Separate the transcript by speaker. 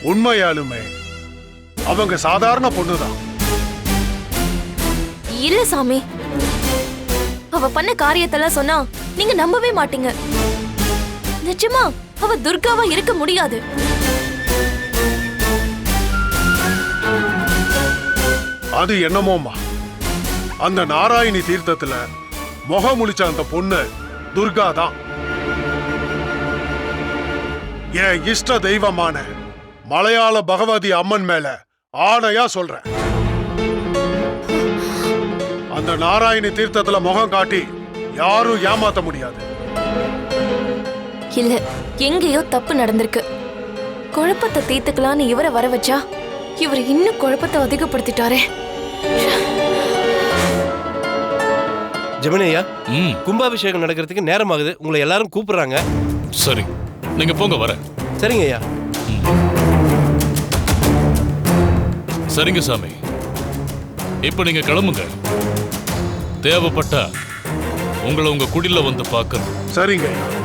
Speaker 1: உண்மையாலுமே அவங்க சாதாரண பொண்ணுதான்.
Speaker 2: இல்ல சாமி, அவ பண்ண காரியத்தெல்லாம் சொன்னா நீங்க நம்பவே மாட்டீங்க. நிஜமா அவ துர்காவா இருக்க முடியாது.
Speaker 1: அது என்னமோமா, அந்த நாராயணி தீர்த்தத்துல முகம் முழிச்ச அந்த பொண்ணு துர்கா தான். என் இஷ்ட தெய்வமான மலையாள பகவதி அம்மன் மேல ஆணையா சொல்றேன். அந்த நாராயணி தீர்த்தத்துல முகம் காட்டி யாரும் ஏமாத்த முடியாது.
Speaker 2: இல்ல, எங்கேயோ தப்பு நடந்திருக்கு. குழப்பத்தை தீர்த்துக்கலான்னு இவரை வர வச்சா இவர் இன்னும் குழப்பத்தை அதிகப்படுத்திட்டாரே.
Speaker 3: ஜெமினி ஐயா, கும்பாபிஷேகம் நடக்கிறதுக்கு நேரம் ஆகுது. உங்களை எல்லாரும் கூப்பிடுறாங்க.
Speaker 4: சரி, நீங்க போங்க, வரேன்.
Speaker 3: சரிங்க ஐயா.
Speaker 4: சரிங்க சாமி, இப்ப நீங்க கிளம்புங்க. தேவைப்பட்டா உங்களை உங்க குடில வந்து பார்க்கணும்.
Speaker 1: சரிங்க ஐயா.